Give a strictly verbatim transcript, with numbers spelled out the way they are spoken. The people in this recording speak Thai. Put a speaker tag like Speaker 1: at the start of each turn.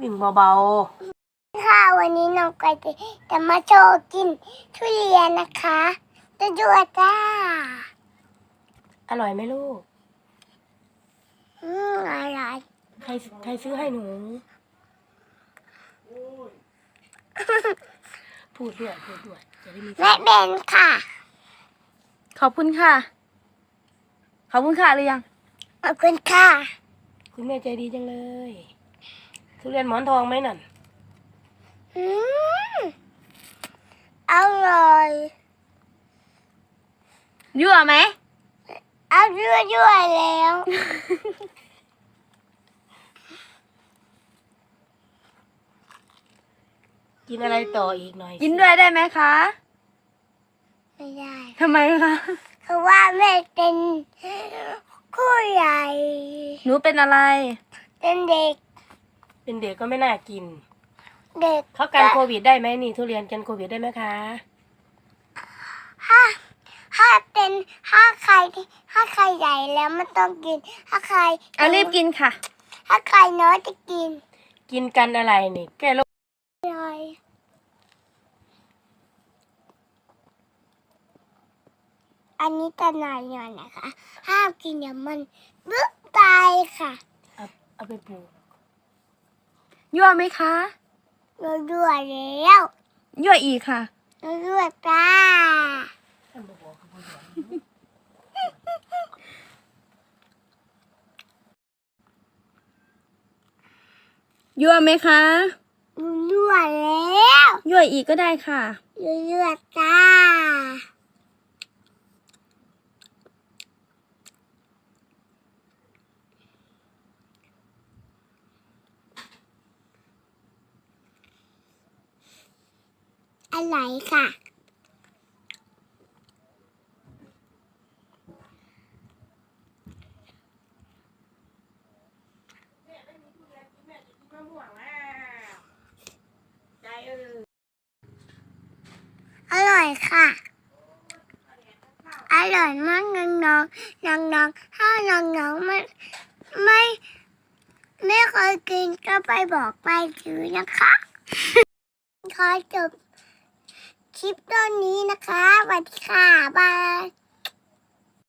Speaker 1: วิ่งเบา
Speaker 2: ค่ะวันนี้น้องไก่จะมาโชว์กินทุเรียนนะคะจะดูจ้า
Speaker 1: ๆอร่อยไหมลูก
Speaker 2: อืมอร่อย
Speaker 1: ใครใครซื้อให้หนู พูดด้วยพูดด้วยจะได้มี
Speaker 2: แม่เบนค่ะ
Speaker 3: ขอบคุณค่ะ ขอบคุณค่ะหรือยัง
Speaker 2: ขอบคุณค่ะ
Speaker 1: คุณแม่ใจดีจังเลยทุเรียนหมอนทองไหมนั่น
Speaker 2: อืมอร่อย
Speaker 3: ยั่วไหม
Speaker 2: เอายั่วยั่วแล้ว
Speaker 1: กินอะไรต่ออีกหน่อย
Speaker 3: กินด้วยได้ไหมคะ
Speaker 2: ไม่ได้
Speaker 3: ทำไมคะ
Speaker 2: เพราะว่าแม่เป็นผู้ใหญ่
Speaker 3: หนูเป็นอะไร
Speaker 2: เป็นเด็ก
Speaker 1: เป็นเด็กก็ไม่น่ากิน
Speaker 2: เด็ก
Speaker 1: เขากันโควิดได้ไหมนี่ทุเรียนกันโควิดได้ไหมคะ
Speaker 2: ถ้าถ้าเป็นถ้าใครถ้าใครใหญ่แล้วมันต้องกิน ถ้าใคร
Speaker 3: เอารีบกินค่ะ
Speaker 2: ถ้าใครน้อยจะกิน
Speaker 1: กินกันอะไรนี่แก้โรค
Speaker 2: อร่อยอันนี้ตะนายหน่อยนะคะห้ามกินเดี๋ยวมันบึ้งตายค่ะ
Speaker 1: เอาเอาไปปลูก
Speaker 3: ยั่วไหมคะ
Speaker 2: เราด้วยแล้ว
Speaker 3: ยั่วอีกค่ะ
Speaker 2: เราด้วยจ้า
Speaker 1: ท่านบอกว่าเขาบ่อยาก
Speaker 3: ยั่วไหมคะ
Speaker 2: เราด้วยแล้ว
Speaker 3: ยั่วอีกก็ได้ค่ะ
Speaker 2: เราด้วยจ้าอะไรค่ะ
Speaker 1: ใจเออ
Speaker 2: อร่อยค่ะ อร่อยมากน้องน้องน้องน้องๆถ้าน้องน้องๆไม่ไม่ไม่เคยกินก็ไปบอกไปถือนะคะ ขอจบคลิปตอนนี้นะคะสวัสดีค่ะ บาย